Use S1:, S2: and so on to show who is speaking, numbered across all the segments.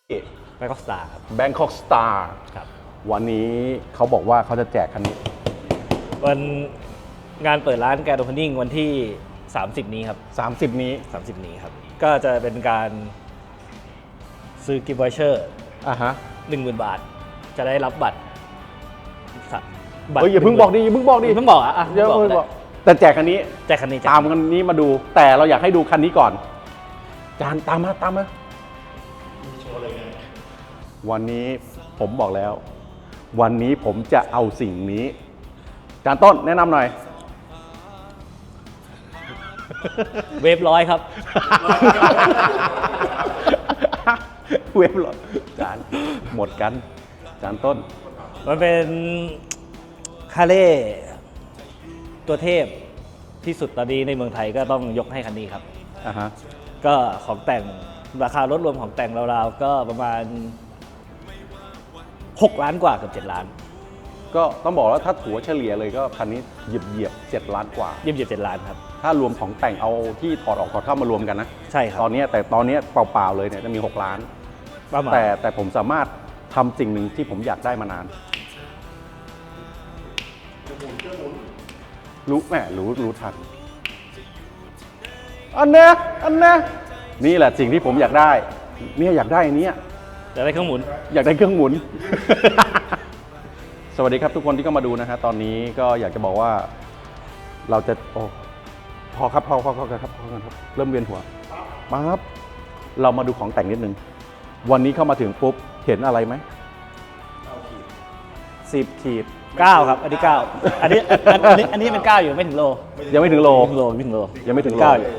S1: แบงคอกสตาร์ครับ
S2: Bangkok Star
S1: ครับ
S2: วันนี้เขาบอกว่าเขาจะแจกคันนี้
S1: วันงานเปิดร้านแกรนด์โอเพนนิ่งวันที่ 30 นี้ครับ
S2: 30 นี้
S1: 30 นี้ครับ ก็จะเป็นการซื้อกิฟต์วอเชอร์
S2: อ่ะฮะ
S1: 10,000 บาท จะได้รับบัตร
S2: เฮ้ยอย่าเพิ่งบอกดิอย่าเพิ่งบอกดิ
S1: เพิ่งบอกอ่ะ
S2: อย่าเพิ่งบอกแต่แจกคันนี้
S1: แจกคันนี้
S2: ตามคันนี้มาดู แต่เราอยากให้ดูคันนี้ก่อน จานตามมาวันนี้ผมบอกแล้ว วันนี้ผมจะเอาสิ่งนี้ จานต้นแนะนำหน่อย
S1: เวฟร้อยครับ
S2: เว็บหรอจานหมดกัน จานต้น
S1: มันเป็นคาเล่ตัวเทพที่สุดตอนนี้ในเมืองไทยก็ต้องยกให้คันนี้ครับ
S2: อ่ะฮะ
S1: ก็ของแต่งราคารถรวมของแต่งราวๆก็ประมาณ6 ล้านกว่าเกือบ7 ล้าน
S2: ก็ต้องบอกว่าถ้าถัวเฉลี่ยเลยก็คันนี้เหยียบ7 ล้านกว่า
S1: เยี่ยม7 ล้านครับ
S2: ถ้ารวมของแต่งเอาที่ถอดออกถอดเข้ามารวมกันนะ
S1: ใช่ครับ
S2: ตอนนี้เปล่าๆเลยเนี่ยจะมี 6 ล้าน
S1: ประมาณ
S2: แต่ผมสามารถทำสิ่งหนึ่งที่ผมอยากได้มานาน รู้ทัน อันเนี้ยนี่แหละสิ่งที่ผมอยากได้ เนี่ยอยากได้อันเนี้ย
S1: จะได้เครื่องหมุน
S2: อยากได้เครื่องหมุน สวัสดีครับทุกคนที่เข้ามาดูนะฮะตอนนี้ก็อยากจะบอกว่าเราจะพอครับเริ่มเวียนหัวมาครับเรามาดูของแต่งนิดนึงวันนี้เข้ามาถึงปุ๊บเห็นอะไรไหม10 ขีด
S1: 9 ครับ อันนี้ 9 อันนี้เป็น 9 อยู่ไม่ถึงโล
S2: ยังไม่ถึงโล
S1: ไม่ถึงโล
S2: ยังไม่ถึงโล
S1: 9 อยู่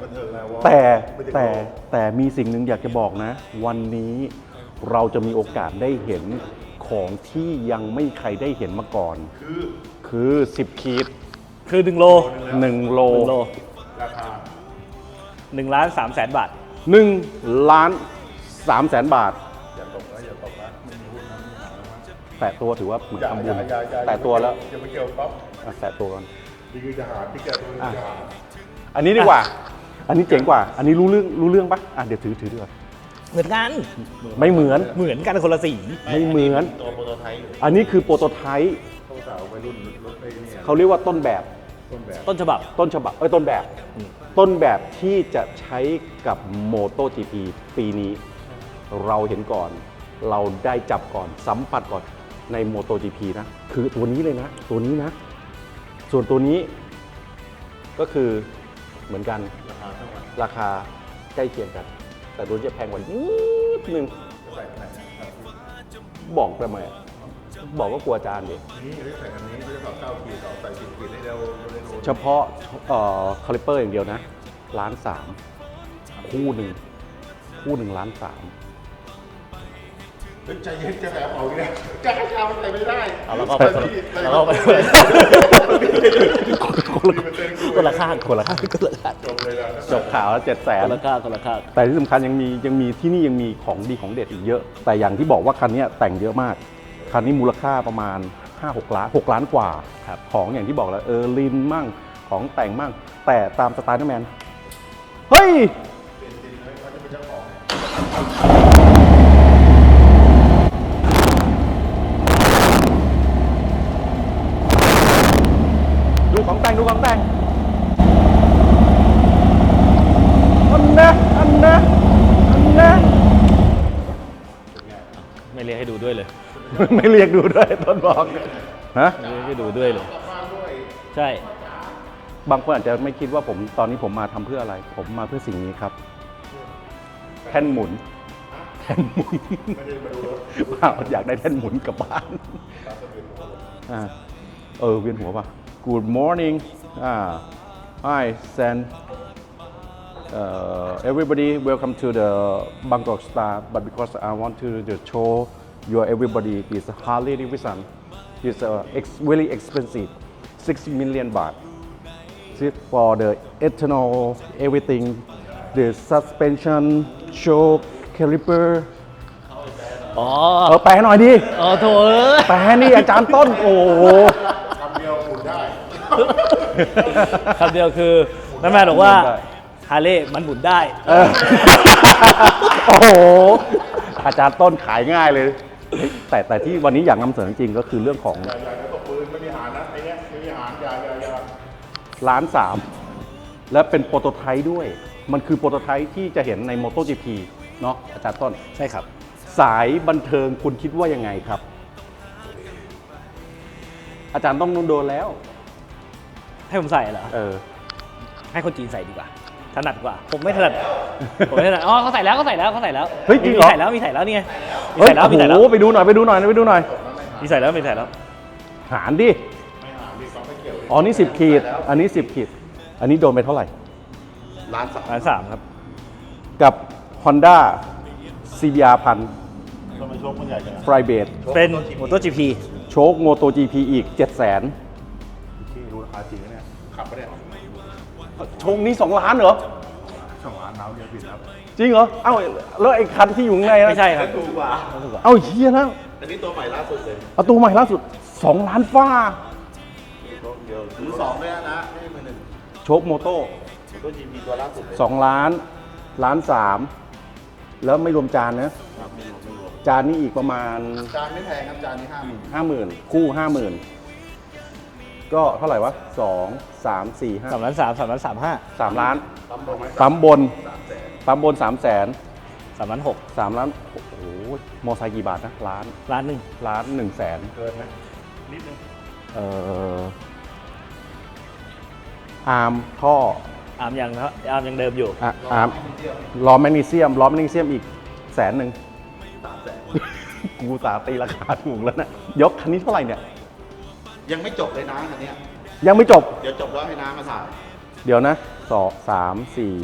S2: แต่มีสิ่งหนึ่งอยากจะบอกนะ วันนี้เราจะมีโอกาสได้เห็นของที่ยังไม่ใครได้เห็นมาก่อน คือ10 ขีด
S1: คือ1 โล
S2: 1 โล
S1: 1 โล1 ล้าน3แสนบาท
S2: 1 ล้าน3แสนบาทแตะตัวถือว่าเหมือนทำบุญแตะตัวแล้ว
S3: อย่าไปเกี่ยวป๊อป
S2: แตะตัวก่อน
S3: นี่คือทหารที่แกตัวนี้ทหาร
S2: อันนี้ดีกว่า อันนี้เจ๋งกว่า อันนี้รู้เรื่องปะเดี๋ยวถือดีกว่า
S1: เหมือนกัน
S2: ไม่เหมือน
S1: เหมือนกันคนละสี
S2: ไม่เหมือน
S3: ตัวโปรโตไทป์
S2: อันนี้คือโปรโตไทป์
S3: เขาสาวไปรุ่นรถไอ้เนี่ย
S2: เขาเรียกว่าต้นแบบ
S3: ต้นแบบ
S1: ต้นฉบับ
S2: ต้นแบบที่จะใช้กับ MotoGP ปีนี้ เราเห็นก่อน เราได้จับก่อนสัมผัสก่อนใน MotoGP นะ คือตัวนี้เลยนะ ตัวนี้นะ ส่วนตัวนี้ก็คือเหมือนกัน
S3: ราคาเท่ากัน
S2: ราคาใกล้เคียงกัน แต่ตัวนี้จะแพงกว่านิดนึง
S3: จะใส่ไหนนะครับ
S2: บอกทำไมอะบอกก็กลัวอาจารย์ดิ
S3: นี่ได้ใส่อันนี้ไม่ได้ต่อ9 ขีดต่อใส่10 ขีดให้เราได้รู้
S2: เฉพาะคาลิปเปอร์อย่างเดียวนะ1.3 ล้านคู่หนึ่ง1.3 ล้าน
S3: ใจเย็นจะแบบเอาเนี่ยจะให้ข้าวมันใส่ไม่ได้
S1: เอาแล้วก็ไปคนละข้าง
S3: จบเลยนะ
S2: จบข่าวแล้ว700,000
S1: คนละข้างคนละข้าง
S2: แต่ที่สำคัญยังมีที่นี่ยังมีของดีของเด็ดอีกเยอะ แต่อย่างที่บอกว่าคันนี้แต่งเยอะมาก คันนี้มูลค่าประมาณ 5-6 ล้าน6 ล้านกว่า
S1: ครับ
S2: ของอย่างที่บอกแล้วลินมั่งของแต่งมั่ง แต่ตามสไตล์นักแมนเฮ้ย ดูของแต่งอันนะ
S1: ไม่เรียกให้ดูด้วยเลย
S2: ไม่เรียกดูด้วยต้นบอกฮะ
S1: ไม่เรียกให้ดูด้วยเลย ใช่
S2: บางคนอาจจะไม่คิดว่าตอนนี้ผมมาทำเพื่ออะไร ผมมาเพื่อสิ่งนี้ครับ แท่นหมุนว้าวอยากได้แท่นหมุนกลับบ้านเวียนหัวป่ะ Good morning Hi San everybody welcome to the Bangkok Star but because I want to show you everybody is Harley Davidson it's really expensive 6 million baht for the ethanol everything the suspension shock caliper
S1: อ๋อ
S2: แปลหน่อยดิ
S1: อ๋อโถเอ้ย
S2: แปลนี่อาจารย์ต้นโอ้โห
S3: คำเดียวหมุนได้
S1: คำเดียวคือนั่นแม่บอกว่าฮาร์เลย์มันหมุนได้
S2: โอ้โหอาจารย์ต้นขายง่ายเลย แต่ที่วันนี้อยากนำเสนอจริงก็คือเรื่องของ
S3: อย่าตกปืนไม่มีหารนะไอ้เนี้ยไม่มีหารอย่า
S2: ล้านสามและเป็นโปรโตไทป์ด้วย มันคือโปรโตไทป์ที่จะเห็นใน MotoGP เนาะอาจารย์ต้น
S1: ใช่ครับ
S2: สายบันเทิงคุณคิดว่ายังไงครับ อาจารย์ต้องโดนแล้ว
S1: ให้ผมใส่เหรอ ให้คนจีนใส่ดีกว่า ถนัดกว่า ผมไม่ถนัด ผมไม่ถนัด อ๋อเขาใส่แล้ว เ
S2: ฮ้ยจริงเหรอ
S1: มีใส่แล้วนี่ไงมี
S2: เฮ้ย
S1: ใส่แล้ว
S2: โอ้โหไปดูหน่อย
S1: มีใส่แล้ว
S2: หารดิ
S3: ไม่หารดิเขาไม่เกี่ยวเลย
S2: อ๋อนี่10 ขีด อันนี้10 ขีด อันนี้โดนไปเท่าไหร่
S3: ล้านสาม
S1: ร้านสามครับ
S2: กับ Honda CBR 1000
S3: ทำไมโชคมันใหญ่จัง
S2: Fly b a s e
S1: เป็น MotoGP
S2: โชค MotoGP อีก 700,000
S3: ที่รู้ราคาจริงนะเนี่ยขับไปเนี่ย
S2: โชคนี้2 ล้านเหรอ
S3: 2 ล้านน้ำเดียวผิดครับ
S2: จริงเหรอ เอ้าแล้วไอ้คันที่อยู่ข้างในนะ
S1: ไม่ใช่ครับ
S3: ถูกกว่า
S2: เอ้าเฮียแล้ว
S3: แต่นี่ตัวใหม่ล่าสุดเลย
S2: เอาตัวใหม่ล่าสุด 2 ล้านฟ้า
S3: ตัวเดียวมือสองเลยนะไม่ใช่มือหนึ่ง
S2: โชคโมโต้
S3: ตัวจีมีตัวล่าสุดเลย
S2: 2 ล้านล้าน3แล้วไม่รวมจานนะ
S3: ครับไม่รวม
S2: จานนี้อีกประมาณ
S3: จานไม่แพงครับจานนี้50,000
S2: 50,000 คู่ 50,000 ก็เท่าไหร่วะ 2 3 4 5
S1: 3 ล้าน
S2: 3 ล้าน
S3: ปั๊มลงไหม
S2: ปั๊มบน
S3: 300,000
S2: ปั๊มบน 300,000
S1: 3 ล้าน
S2: 3 ล้าน โอ้โห มอไซค์กี่บาทนะ ล้าน
S1: ล้านหนึ่ง
S2: ล้าน1แสน
S3: เกินไหมนิดนึง
S2: อาร์มท่อ
S1: อาร์มยังเดิมอยู่
S2: อาร์มล้อแมกนีเซียมอีก100,000
S3: 300,000
S2: กูสาตีราคาถูกแล้วนะ ยกคันนี้เท่าไหร่เนี่ย
S3: ยังไม่จบเลยนะอันเนี้ย
S2: ยังไม่จบ
S3: เดี๋ยวจบแล้วให้น้ามาถ่าย
S2: เดี๋ยวนะ3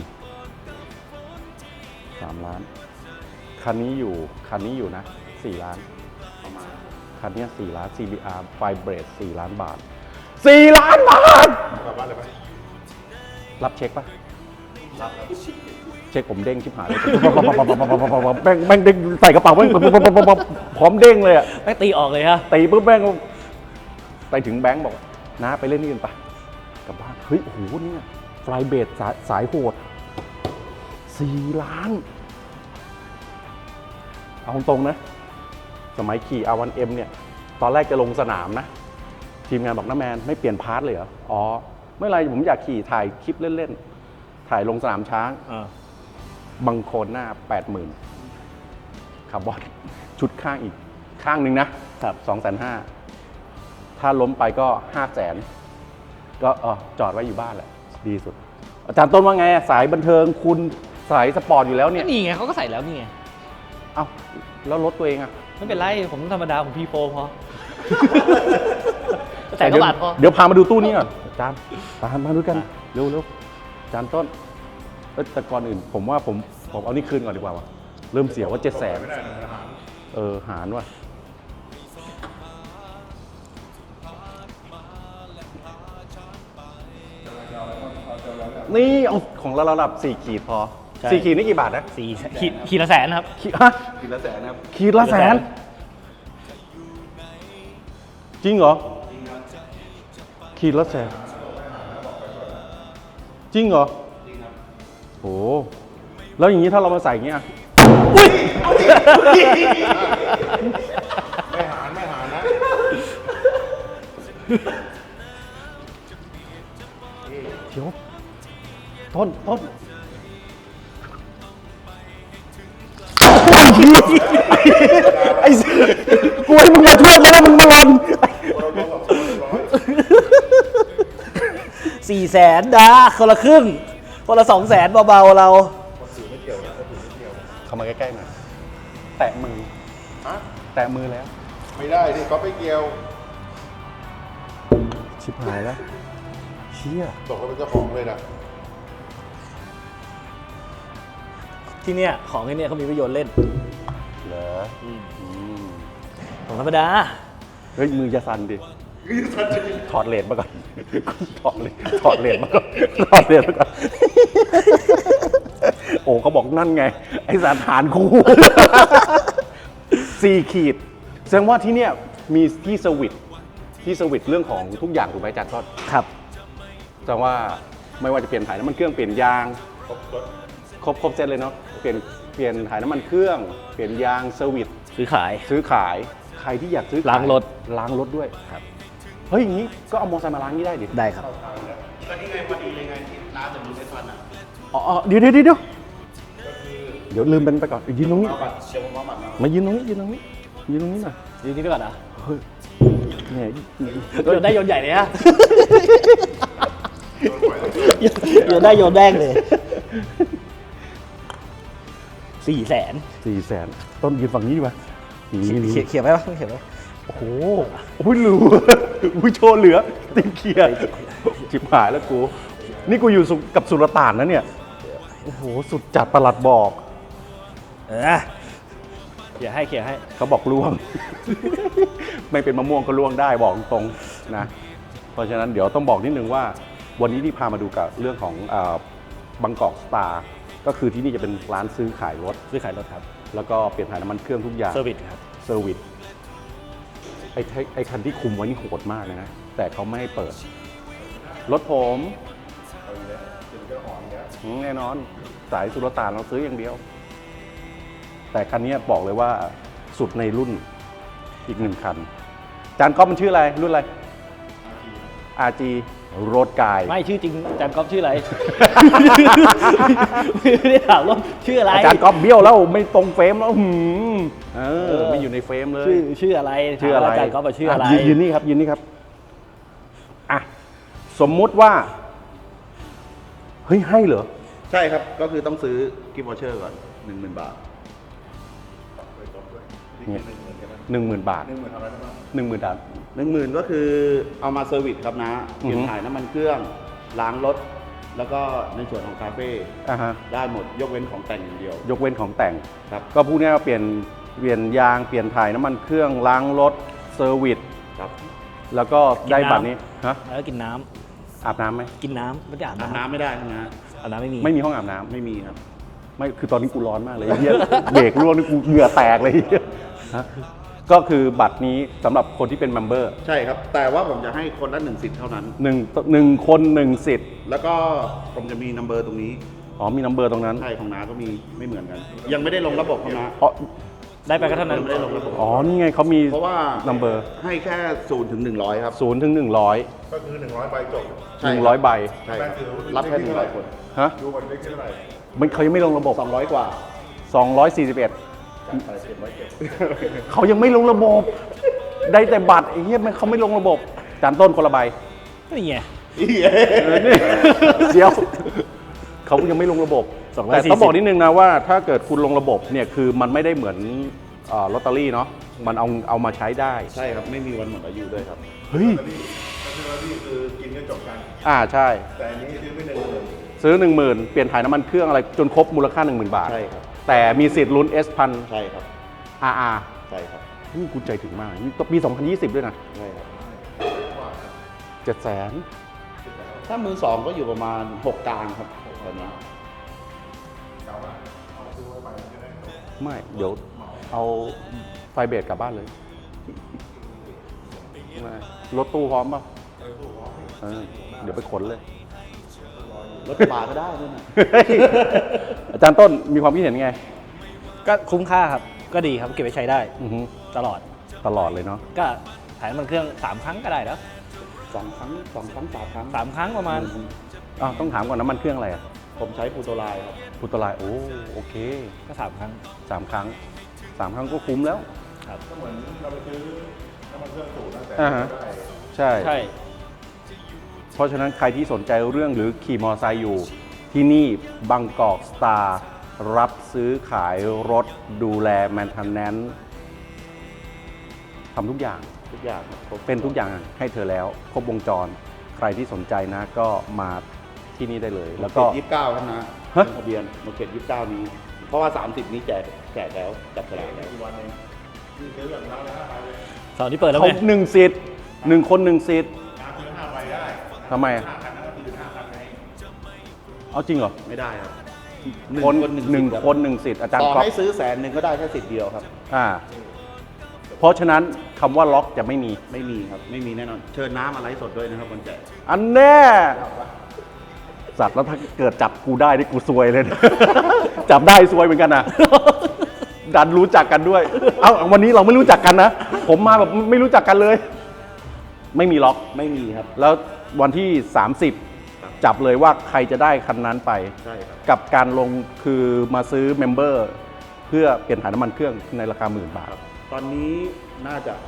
S2: ล้าน คันนี้อยู่นะ 4 ล้าน
S3: ประมาณ
S2: คันเนี้ย4 ล้าน CBR Firebird 4 ล้านบาท 4 ล้านบาท
S3: กลับบ้านเลยไหม
S2: รับเช็คปะ
S3: รับครับ
S2: เช็คผมเด้งชิบหายเลยแม่งเด้งใส่กระเป๋าแม่งพร้อมเด้งเลยอะ
S1: ไม่ตีออกเลยฮะ
S2: ตีปุ๊บแม่งไปถึงแบงค์บอกน้าไปเล่นนี่กันปะกลับบ้าน เฮ้ย โอ้โหเนี่ยฟลายเบดสายโหด 4 ล้าน เอาตรงๆนะ สมัยขี่ R1M เนี่ย ตอนแรกจะลงสนามนะ ทีมงานบอกน้าแมนไม่เปลี่ยนพาร์ทเลยเหรอ อ๋อ ไม่เป็นไรผมอยากขี่ถ่ายคลิปเล่นๆ ถ่ายลงสนามช้าง บังโคลนหน้า 80,000 คาร์บอน ชุดข้างอีก ข้างหนึ่งนะครับ 250,000 ถ้าล้มไปก็500,000 ก็จอดไว้อยู่บ้านแหละ ดีสุด อาจารย์ต้นว่าไงอะสายบันเทิงคุณสายสปอร์ตอยู่แล้วเนี่ย
S1: นี่ไงเขาก็ใส่แล้วนี่ไง
S2: เอ้า แล้วรถตัวเองอะ
S1: ไม่เป็นไร ผมธรรมดา ผมพีโฟพอ ใส่กระบาดพอ
S2: เดี๋ยวพามาดูตู้นี้ก่อนอาจารย์ตามมาดูกันเร็วอาจารย์ต้นแต่ก่อนอื่น ผมว่าผมเอานี่คืนก่อนดีกว่าวะเริ่มเสียว่า700,000
S3: ไม่ได้นะหาร
S2: หารว่ะนี่เอาของเราระดับ4 ขีดพอ
S1: ใช่
S2: 4 ขีดนี่กี่บาทนะ
S1: ขีดละแสนครับ
S2: ขีดฮะ
S3: กินละแสนนะครับ
S2: ขีดละแสน จริงเหรอ ขีดละแสน จริงเหรอ โอ้แล้วอย่างนี้ถ้าเรามาใส่อย่างเงี้ย
S3: ไม่หารนะ
S2: เดี๋ยวต้นไอ้กูให้มึงมาช่วยมาแล้วมึงมาหล่น
S1: 400,000ดาคนละครึ่ง คนละ200,000เบาๆเรา
S2: เข้ามาใกล้ๆหน่อยแตะมือ
S3: ฮะ
S2: แตะมือแล้ว
S3: ไม่ได้ที่เขาไปเกี่ยว
S2: ชิบหายแล้ว เชี่ย
S3: ตกเขาเป็นเจ้าของเลยนะ
S1: ที่เนี่ยของที่เนี่ยเขามีประโยชน์เล่น
S2: เหรอ
S1: ของธรรมดา
S2: เฮ้ย มือจะสั่นดิ ถอดเลนมาก่อน ถอดเลนมาก่อน โอ้เขาบอกนั่นไง ไอ้สารฐานคู่ 4 ขีด แสดงว่าที่เนี่ยมีที่สวิตช์เรื่องของทุกอย่างถูกไหมอาจารย์ก็
S1: ครับ
S2: แสดงว่าไม่ว่าจะเปลี่ยนถ่ายน้ำมันเครื่องเปลี่ยนยาง
S3: ครบรถ
S2: ครบเซตเลยเนาะ เปลี่ยนเปลี่ยนถ่ายน้ำมันเครื่อง เปลี่ยนยางเซอร์วิส
S1: ซื้อขาย
S2: ซื้อขายใครที่อยากซื้อขย
S1: ล้างรถ
S2: ล้างรถด้วย
S1: ครับ
S2: เฮ้ยอย่างนี้ก็เอามอเตอร์ไซค์มาล้างนี่ได้ดิ
S1: ได้ครับ
S3: ก็นี่ไงพอดีเลยไงที่น้าจะมีเซ็ตวันอ่ะ
S2: อ๋อเดี๋ยวลืมเป็นไปก่อนยืนตรงนี้
S3: เอาบัตรเดี๋ยวผมเอาบัตรมา
S2: มายืนตรงนี้ยืนตรงนี้ยืนตรงนี้หน่อย
S1: ยืนนี่ไปก่อนนะ
S2: เฮ้ยเนี่ย
S1: โยนได้โยนใหญ่เลยฮะ โยนได้โยนแดงเลย400,000
S2: 400,000ต้นยืนฝั่งนี้ดีกว่านี่
S1: เขียนไหมวะเขียนไหม
S2: โอ้โหโอ้ยรู้อุ้ยโชว์เหลือติงเขียดจิบหายแล้วกูนี่กูอยู่กับสุลต่านนะเนี่ยโอ้โหสุดจัดประหลัดบอก
S1: เขียนให้
S2: เขาบอกล่วง ไม่เป็นมะม่วงก็ล่วงได้บอกตรงๆนะ เพราะฉะนั้นเดี๋ยวต้องบอกนิดนึงว่า วันนี้ที่พามาดูกับเรื่องของบางกอกสตาร์ก็คือที่นี่จะเป็นร้านซื้อขายรถ
S1: ซื้อขายรถครับ
S2: แล้วก็เปลี่ยนถ่ายน้ำมันเครื่องทุกอย่าง
S1: เซอร์วิสครับ
S2: เซอร์วิสไอ้คันที่คุมไว้นี่โหดมากเลยนะ แต่เขาไม่ให้เปิด รถผมแน่นอนสายสุลต่านเราซื้ออย่างเดียว แต่คันนี้บอกเลยว่าสุดในรุ่นอีกหนึ่งคัน จานก๊อฟมันชื่ออะไร รุ่นอะไร RG โรดกาย
S1: ไม่ชื่อจริงอาจารย์ก๊อฟชื่ออะไร ไม่ได้ถามว่าชื่ออะไร
S2: อาจารย์ก๊อฟเบี้ยวแล้วไม่ตรงเฟรมแล้วไม่อยู่ในเฟรมเลย
S1: ชื่ออะไร
S2: ชื่ออะไร
S1: ถามว่าอาจารย์ก๊อฟชื่ออะไร
S2: ยืนนี่ครับยืนนี่ครับอ่ะสมมุติว่าเฮ้ยให้เหรอ
S3: ใช่ครับ ก็คือต้องซื้อกิฟต์วอเชอร์ก่อน 10,000 บาท
S2: เนี่ย10,000 บาท
S3: 10,000อะไรนะ
S2: 10,000 บาท
S3: 10,000 ก็คือเอามาเซอร์วิสครับนะเปลี่ยนถ่ายน้ำมันเครื่อง ล้างรถ แล้วก็ในส่วนของคาเฟ่
S2: อ่ะฮะ
S3: ได้หมดยกเว้นของแต่งอย่างเดียว
S2: ยกเว้นของแต่ง
S3: ครับ
S2: ก็พูดง่ายๆว่าเปลี่ยนยางเปลี่ยนถ่ายน้ำมันเครื่องล้างรถเซอร์วิส
S3: ครับ
S2: แล้วก็ได้บัตรนี้ฮะ
S1: แล้วก็กินน้ำ
S2: อาบน้ำไหม
S1: กินน้ำไม่ได้อาบ
S3: อาบ
S1: น้ำ
S3: น้ำไม่ได้ครับนะ
S1: อาบน้ำไม่มี
S2: ไม่มีห้องอาบน้ำ
S3: ไม่มีครับ
S2: ไม่คือตอนนี้กูร้อนมากเลยเหี้ย เบรกร่วงนี่กูเหงื่อแตกเลยเหี้ยฮะก็คือบัตรนี้สำหรับคนที่เป็นเมมเบอร์
S3: ใช่ครับ แต่ว่าผมจะให้คนละ1 สิทธิ์เท่านั้น
S2: หนึ่งคนหนึ่งสิทธิ์
S3: แล้วก็ผมจะมีนัมเบอร์ตรงนี้
S2: อ๋อมีนัมเบอร์ตรงนั้น
S3: ใช่ของน้าก็มีไม่เหมือนกัน ยังไม่ได้ลงระบบของน้า
S2: อ๋อ
S1: ได้ไปก็เท่านั้น
S3: ยังไม่ได้ลงระบบ
S2: อ๋อนี่ไงเขามี
S3: เพราะว่า
S2: นัมเบอร์
S3: ให้แค่0 ถึง 100 ครับ
S2: 0 ถึง 100
S3: ก็คือ100 ใบจบ
S2: 100 ใบ
S3: ใช่ครับรับแค่100 คน
S2: ฮะ
S3: ดูวันเล็กเท่าไหร่
S2: มันเขายังไม่ลงระบบ
S3: 200 กว่า
S2: 241
S3: จัดไป700
S2: เขายังไม่ลงระบบ ได้แต่บัตรไอ้เหี้ยมันเขาไม่ลงระบบจานต้นคนละใบ
S1: นี่ไง
S2: เดี๋ยวเขายังไม่ลงระบบ
S1: 240
S2: แต่ต้องบอกนิดนึงนะว่าถ้าเกิดคุณลงระบบเนี่ยคือมันไม่ได้เหมือนลอตเตอรี่เนาะมันเอามาใช้ได้
S3: ใช่ครับ ไม่มีวันหมดอายุด้วยครับ
S2: เฮ้ย
S3: นี่คือกินก็จบกัน
S2: ใช่
S3: แต่อันนี้ซื้อไม่1,000
S2: ซื้อ 10,000 เปลี่ยนถ่ายน้ำมันเครื่องอะไรจนครบมูลค่า 10,000 บาท
S3: ใช่ครับ
S2: แต่มีสิทธิ์ลุ้น S พัน
S3: ใช่ครับ
S2: RR
S3: ใช่ครับ
S2: นี่คุณใจถึงมากนี่ปี 2020 ด้วยนะ
S3: ใช่ครับ
S2: 700,000
S3: ถ้ามือ 2 ก็อยู่ประมาณ 6 กลางครับตอนนี้
S2: ไม่เดี๋ยวเอาไฟเบรกกลับบ้านเลยไม่รถตู้พร้อมป่ะเดี๋ยวไปขนเลย
S3: รถกระบะก็ได้ด้วยนะ
S2: อาจารย์ต้นมีความคิดเห็นไง
S1: ก็คุ้มค่าครับ ก็ดีครับ เก็บไว้ใช้ได้
S2: อือฮึ
S1: ตลอด
S2: ตลอดเลยเนาะ
S1: ก็ถ่ายน้ำมันเครื่อง3 ครั้งก็ได้แล้ว
S3: 2 ครั้ง 3 ครั้ง
S1: 3 ครั้งประมาณ
S2: ต้องถามก่อนน้ำมันเครื่องอะไรอ่ะ
S3: ผมใช้ปูโตไลน์ครับ
S2: พุตไลน์โอเค
S1: ก็3 ครั้ง
S2: 3 ครั้ง 3 ครั้งก็คุ้มแล้ว
S1: ครับ
S3: ก็เหมือนเราไปซื้อน้ำมันเครื่องสูตรนะแต่
S2: อ่าฮะ
S3: ได้
S2: ใช่
S1: ใช่
S2: เพราะฉะนั้นใครที่สนใจเรื่องหรือขี่มอเตอร์ไซค์อยู่ ที่นี่บางกอกสตาร์รับซื้อขายรถดูแลแมนเทนแนนซ์ทำทุกอย่าง
S3: ทุกอย่างครับครบ
S2: เป็นทุกอย่างให้เธอแล้ว ครบวงจร ใครที่สนใจนะก็มาที่นี่ได้เลย แล้วก็
S3: 29ครับนะ
S2: ฮะ
S3: ทะเบียนมาเขต29 นี้ เพราะว่า 30 นี้แจกแล้วจับฉลากแล้ว
S1: เสาร์ที่เปิดแล้ว
S2: เขา
S1: ไง
S2: หนึ่งสิทธิ์1 คน 1 สิทธิ์ทำไมอะเอาจริงเหรอ
S3: ไม่ได้ครับ
S2: คนห
S3: สิ
S2: นึ่ง
S3: ทธิ์รับ
S2: คนหนึ่งสิทธิ์อาจารย์
S3: ต่อ
S2: ก๊อฟ
S3: ให้ซื้อ100,000ก็ได้แค่สิทธิ์เดียวครับ
S2: เพราะฉะนั้นคำว่าล็อกจะไม่มี
S3: ไม่มีครับ ไม่มีแน่นอน เชิญน้ำมาไลฟ์สดด้วยนะครับคนแจก
S2: อันแน่สัตว์แล้วถ้าเกิดจับกูได้นี่กูซวยเลยนะจับได้ซวยเหมือนกันนะ ดันรู้จักกันด้วย เอ้าวันนี้เราไม่รู้จักกันนะ ผมมาแบบไม่รู้จักกันเลย ไม่มีล็อก
S3: ไม่มีครับ
S2: แล้ววันที่ 30 จับเลยว่าใครจะได้คันนั้นไป
S3: ใช่ครับ
S2: กับการลงคือมาซื้อเมมเบอร์เพื่อเปลี่ยนถ่ายน้ำมันเครื่องในราคา10,000 บาท
S3: ตอนนี้น่าจะ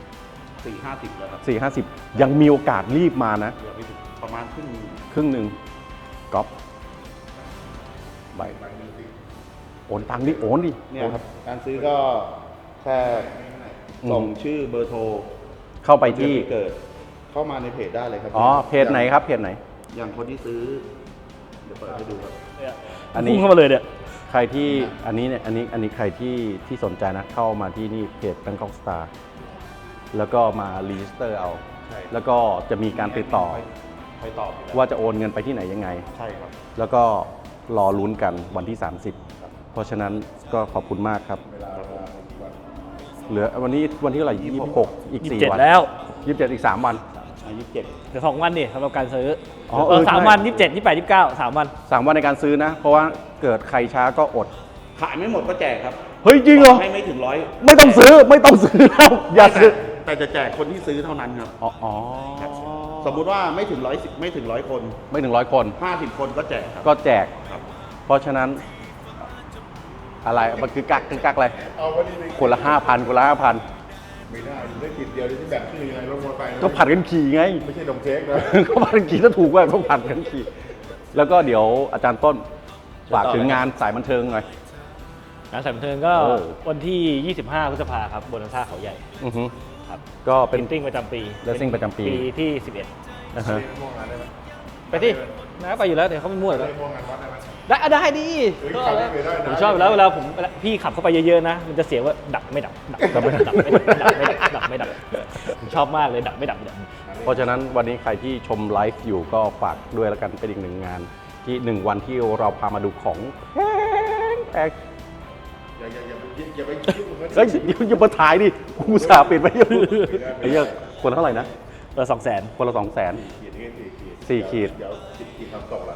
S3: 4-50แล้วครับ
S2: 450 ยังมีโอกาสรีบมานะ
S3: เหลือไม่ถึงประมาณครึ่งหนึ่ง
S2: ครึ่งหนึ่งก๊อปใบโอนตังค์ดิโอนดิ
S3: เนี่ยครับการซื้อก็แค่ส่งชื่อเบอร์โทร
S2: เข้าไปที่
S3: เดือนปีเกิดเข้ามาในเพจได้เลยครับ
S2: อ๋อเพจไหนครับเพจไหน
S3: อย่างคนที่ซื้อเดี๋ยวเปิดให้ดูครับ
S2: อันนี้
S1: พุ่งเข้ามาเลยเนี่ย
S2: ใครที่อันนี้ใครที่สนใจนะเข้ามาที่นี่เพจ Bangkok Star แล้วก็มารีจิสเตอร์เอา
S3: ใช่
S2: แล้วก็จะมีการติดต่อ
S3: ไปตอบอยู่แล้ว
S2: ว่าจะโอนเงินไปที่ไหนยังไง
S3: ใช่ครับ
S2: แล้วก็รอลุ้นกันวันที่ 30 เพราะฉะนั้นก็ขอบคุณมากครับ เหลือวันนี้วันที่เท่าไหร่26 อีก 4 วัน
S1: 27 แล้ว
S2: 27 อีก 3 วัน
S3: 27
S1: เดี๋ยว2 วันดิสำหรับการซื้อ
S2: อ๋อเออ
S1: 3
S2: ใช่
S1: วัน 27 28 29 3 วัน
S2: 3 วันในการซื้อนะ เพราะว่าเกิดใครช้าก็อด
S3: ขายไม่หมดก็แจกครับ
S2: เฮ้ยจริงเหรอ
S3: ให้ไม่ถึง100
S2: ไม่ต้องซื้อแล้วอย่าซื้อ
S3: แต่จะแจกคนที่ซื้อเท่านั้นครับ
S2: อ๋อ
S3: สมมุติว่าไม่ถึง100ไม่ถึง100 คน
S2: ไม่ถึง100 คน
S3: 50 คนก็แจกครับ
S2: ก็แจก
S3: ครับ
S2: เพราะฉะนั้น อะไรมันคือกักอะไร
S4: เอาวันนี้
S2: คนละ 5,000 คนละ 5,000
S4: ไม่ได้ได้ขีดเดียวที่แบ่งชื่อยังไงลงมอไซค์
S2: ก็ผัดกันขี่ไง
S4: ไม่ใช่นมเค้กนะ
S2: ก็ผัดกันขี่ถ้าถูกว่าต้องผัดกันขี่แล้วก็เดี๋ยวอาจารย์ต้นฝากถึงงานสายบันเทิงหน่อย
S1: งานสายบันเทิงก็
S2: โอ้
S1: วันที่ 25 พฤษภาครับบนท่าเขาใหญ่
S2: อือฮึ
S1: ครับ
S2: ก็เป็
S1: เป็น นติ้งประจำปี
S2: Racing ประจำปี
S1: ปีที่
S2: นะฮะ
S4: ม่วงงานได้ไหม
S1: 11 ไปที่นะไปอยู่แล้วเดี๋ยวเขาไม่มั่วแล้ว
S4: ม่วงงานวัดได้ไหม
S1: ได้ดี
S4: เฮ้ย
S1: ก็
S4: ขับไม่เคยได้นะ
S1: ผมชอบอยู่แล้วเวลาพี่ขับเข้าไปเยอะๆนะ มันจะเสียงว่าดับไม่ดับดับไม่ดับดับไม่ดับผมชอบมากเลยดับไม่ดับ
S2: เพราะฉะนั้นวันนี้ใครที่ชมไลฟ์อยู่ก็ฝากด้วยแล้วกันเป็นอีกหนึ่งงานที่1 วันที่เราพามาดูของแพง
S4: อย่าไปยุ่งกับ
S2: เฮ้ยอย่ามาถ่ายดิกูอุตสาห์ปิดไว้อยู่ไอ้เหี้ยคนละเท่าไหร่นะ
S1: 200,000
S2: คนละ200,000
S4: ขีดนี่4
S2: ขีด
S4: เดี๋ยวขีดทำตกละ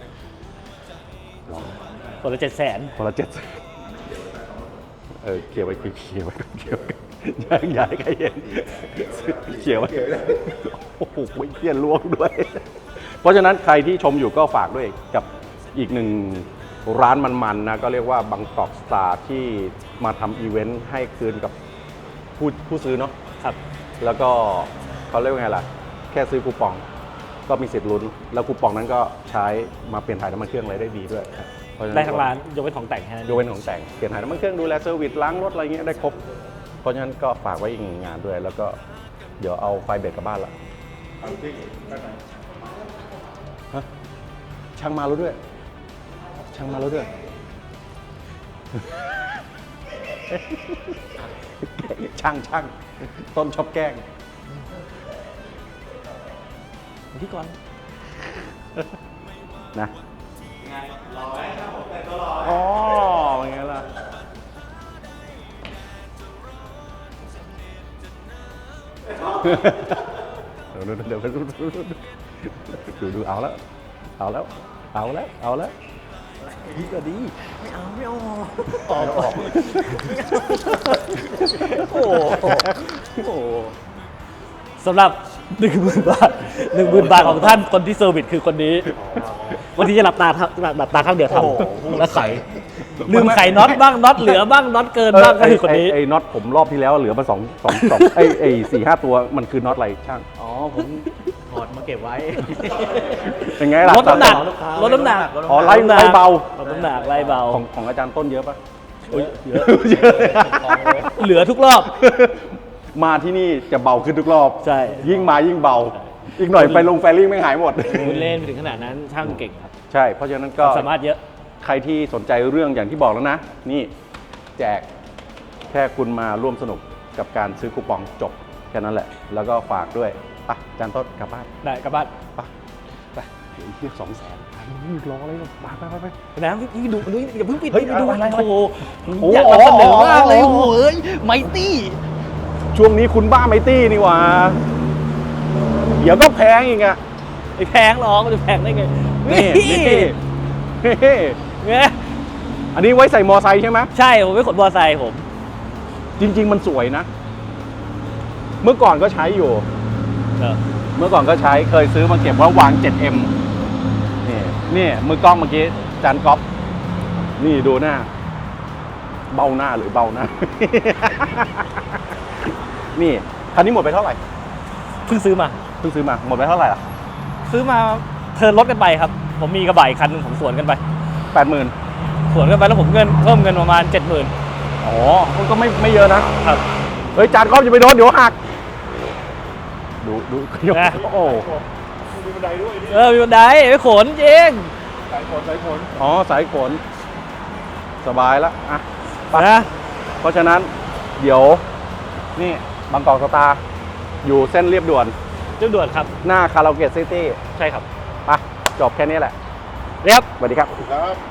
S1: คนละ700,000
S2: คนละ7เขี่ยไว้เขี่ยไว้อย่าให้ใครเห็นเขี่ยไว้โอ้โหเขี่ยล่วงด้วย เพราะฉะนั้นใครที่ชมอยู่ก็ฝากด้วยกับอีกหนึ่งร้านมันๆนะก็เรียกว่าบางกอกสตาร์ที่มาทำอีเวนต์ให้คืนกับผู้ซื้อเนาะ
S1: ครับ
S2: แล้วก็เขาเรียกว่าไงล่ะ แค่ซื้อคูปองก็มีสิทธิ์ลุ้น แล้วคูปองนั้นก็ใช้มาเปลี่ยนถ่ายน้ำมันเครื่องอะไรได้ดีด้วยเพะฉะนั้น
S1: ได้ทั้งร้านยกเว้นของแต่งแค่นั้น
S2: ยกเว้นของแต่งเปลี่ยนถ่ายน้ำมันเครื่องดูแลเซอร์วิสล้างรถอะไรเงี้ยได้ครบ เพราะฉะนั้นก็ฝากไว้อีกหนึ่งงานด้วย แล้วก็เดี๋ยวเอาไฟเบรกกลับบ้านละ
S4: เอาจริงได้ไหม
S2: ฮะช่างมาแล้วด้วย ช่างมาแล้วด้วย ช่างต้นชอบแกล้ง
S1: ที่ก่อน
S2: นะอ๋อเป็นไงล่ะ เดี๋ยวดูเอาแล้วดีก็ดีไม่เอาออกโอ้โห
S1: สำหรับ 10,000 บาท 10,000 บาทของท่านคนที่เซอร์วิสคือคนนี้ วันที่จะหลับตาข้างเดียวทำแล้วไขลืมไขน็อตบ้างน็อตเหลือบ้างน็อตเกินบ้างก็คือคนนี้
S2: ไอ้น็อตผมรอบที่แล้วเหลือมา2ไอ้4-5 ตัวมันคือน็อตอะไรช่าง
S1: อ๋อผมถอดมาเก็บไว้
S2: เป็นไงล่ะ
S1: ลดน้ำหนักลดน้ำหนัก
S2: อ๋อไล่เบา
S1: ลดน้ำหนักไล่เบา
S2: ของอาจารย์ต้นเยอะปะ
S1: เยอะเหลือทุกรอบ
S2: มาที่นี่จะเบาขึ้นทุกรอบ
S1: ใช่
S2: ยิ่งมายิ่งเบา อีกหน่อยไปลงแฟริ่งไม่หายหมด
S1: คุณเล่นไปถึงขนาดนั้นช่างเก่งครับ
S2: ใช่ เพราะฉะนั้นก็
S1: สามารถเยอะ
S2: ใครที่สนใจเรื่องอย่างที่บอกแล้วนะ นี่แจกแค่คุณมาร่วมสนุกกับการซื้อคูปองจบแค่นั้นแหละ แล้วก็ฝากด้วยไปอาจารย์ต้นกลับบ้าน
S1: ได้กลับบ้าน
S2: ไปเดี๋ยวอีกเทียบ200,000รออะไรหรอกไป
S1: นะพี่ดูอย่าเพิ่งปิด
S2: เฮ้ย
S1: ไปดู
S2: อะไร
S1: โอ้โห
S2: โอ้
S1: อยากนำเสนอมากเลยโอ้โหเอ้ยไมตี้
S2: ช่วงนี้คุณบ้าไมตี้นี่หว่า เดี๋ยวก็แพงอีกอะ
S1: ไม่แพงหรอกมันจะแพงได้ไง
S2: นี่
S1: ไง
S2: อันนี้ไว้ใส่มอไซค์ใช่ไหม
S1: ใช่ผมไม่ขนมอเตอร์ไซค์ผม
S2: จริง ๆ มันสวยนะ เมื่อก่อนก็ใช้อยู่
S1: เออ
S2: เมื่อก่อนก็ใช้เคยซื้อมาเก็บว่าวาง 7M นี่มือกล้องเมื่อกี้จานก๊อฟนี่ดูหน้า เบ้าหน้าหรือเบ้าหน้า นี่คันนี้หมดไปเท่าไหร่
S1: เพิ่งซื้อมา
S2: เพิ่งซื้อมาหมดไปเท่าไหร่ล่ะ
S1: ซื้อมาเทิร์นรถกันไปครับ ผมมีกระบะอีกคันหนึงผมสวนกันไป
S2: 80,000
S1: สวนกันไปแล้วผมเพิ่มเงินประมาณ 70,000
S2: อ๋อก็ไม่เยอะนะ
S1: ครับ
S2: เฮ้ยจานก๊อฟจะไปโดนเดี๋ยวหัก ดู
S1: นะ
S2: โอ้โห
S4: มีบันไดด้วยนี่
S1: มีบันไดไปขนจริง
S4: สายขน
S2: อ๋อสายขนสบายแล้วอ่ะ ไป
S1: นะ
S2: เพราะฉะนั้นเดี๋ยวนี่บางกอกสตาร์อยู่เส้นเรียบด่วน
S1: จุดด่วนครับ
S2: หน้าคาราโอเกะซิตี้
S1: ใช่ครับ
S2: ไปจบแค่นี้แหละ
S1: เรียบ
S2: สวัสดีครับ
S4: ครับ